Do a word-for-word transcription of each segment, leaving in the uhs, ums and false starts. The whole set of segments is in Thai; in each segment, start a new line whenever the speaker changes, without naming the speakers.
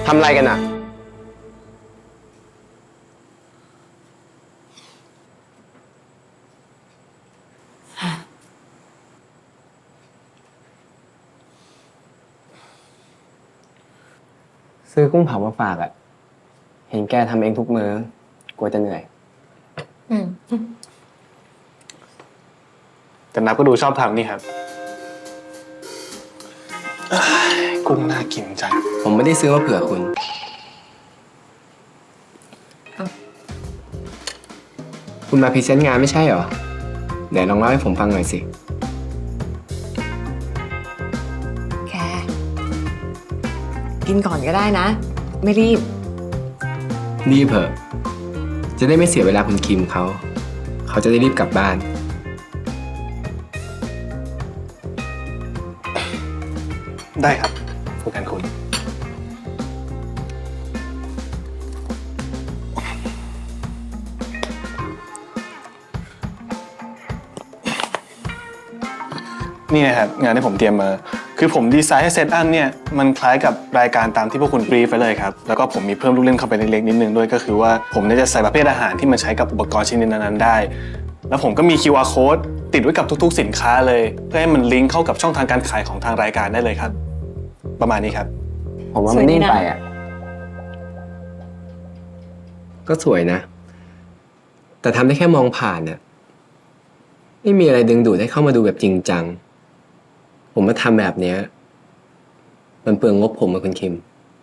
ทำอะไรกันอ่ะซื้อกุ้งเผามาฝากอ่ะ เห็นแกทำเองทุกมื้อกลัวจะเหนื่อย
อืม
แต่นับก็ดูชอบทำนี่ครับกุ้งน่ากินจัง
ผมไม่ได้ซื้อมาเผื่อคุณ คุณมาพรีเซนต์งานไม่ใช่เหรอ ไหนลองเล่าให้ผมฟังหน่อยสิ
แค่กินก่อนก็ได้นะ ไม่รีบ
รีบเถอะ จะได้ไม่เสียเวลาคุณคิมเขา เขาจะได้รีบกลับบ้าน
ได้ครับผู้การคุณ นี่นะครับงานที่ผมเตรียมมา คือผมดีไซน์ให้เซตอัพเนี่ยมันคล้ายกับรายการตามที่พวกคุณบรีฟไว้เลยครับแล้วก็ผมมีเพิ่มลูกเล่นเข้าไปเล็กๆนิดนึงด้วยก็คือว่าผมเนี่ยจะใส่ประเภทอาหารที่มันใช้กับอุปกรณ์ชิ้นนั้นๆได้แล้วผมก็มี คิว อาร์ code ติดไว้กับทุกๆสินค้าเลยเพื่อให้มันลิงก์เข้ากับช่องทางการขายของทางรายการได้เลยครับ ประมาณนี้ครับ
ผมว่ามันนิ่งไปอ่ะ ก็สวยนะ แต่ทำได้แค่มองผ่านน่ะไม่มีอะไรดึงดูดให้เข้ามาดูแบบจริงจัง ผมมาทำแบบเนี้ยมันเปลืองงบผมกับคุณคิม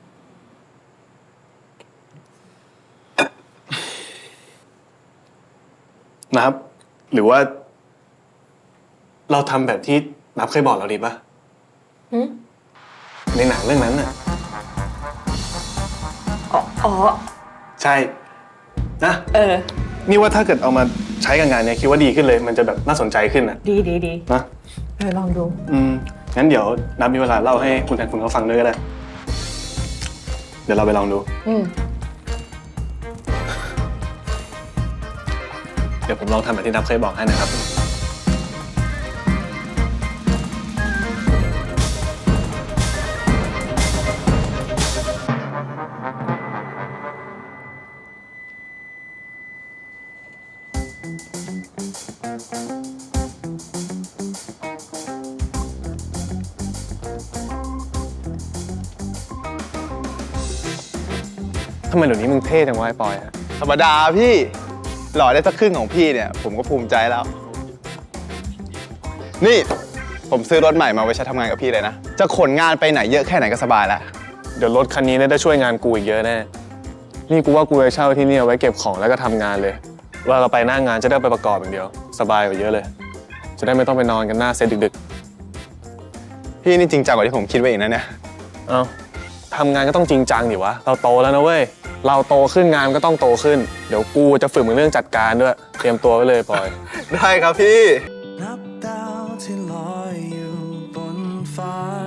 นะครับ หรือว่า เราทำแบบที่นับเคยบอกเราดีป่ะ
หืม
ในหนังเรื่องนั้นน่ะ
อ๋ออ๋อ
ใช่นะ
เออ
นี่ว่าถ้าเกิดเอามาใช้กับงานเนี่ยคิดว่าดีขึ้นเลย มันจะแบบน่าสนใจขึ้นนะ
ดีดีดี
นะ
เออ ลองดู
อืมงั้นเดี๋ยวนับมีเวลาเล่าให้คุณแทนคุณเขาฟังด้วยก็ได้ เดี๋ยวเราไปลองดู
อืม
เดี๋ยวผมลองทำแบบที่นับเคยบอกให้นะครับทำไมเดี๋ยวนี้มึงเท่จังวะไอ้ปอยฮะ
ธรรมดาพี่หล่อได้สักครึ่งของพี่เนี่ยผมก็ภูมิใจแล้ว นี่ผมซื้อรถใหม่มาไว้ใช้ทำงานกับพี่เลยนะ จะขนงานไปไหนเยอะแค่ไหนก็สบายแล้ว
เดี๋ยวรถคันนี้เนี่ยได้ช่วยงานกูอีกเยอะแน่ นี่กูว่ากูจะเช่าที่นี่เอาไว้เก็บของแล้วก็ทำงานเลย ว่าเราไปหน้างานจะได้ไปประกอบอย่างเดียว สบายกว่าเยอะเลย จะได้ไม่ต้องไปนอนกันหน้าเซตดึก
พี่นี่จริงจังกว่าที่ผมคิดไว้อีกนะเนี่ย
ๆ เอ้าทำงานก็ต้องจริงจังดิวะ เราโตแล้วนะเว้ย เราโตขึ้นงานก็ต้องโตขึ้น เดี๋ยวกูจะฝึกมึงเรื่องจัดการด้วย เตรียมตัวไว้เลยปอย
ได้ครับพี่
นับดาวที่ลอยอยู่บนฟ้า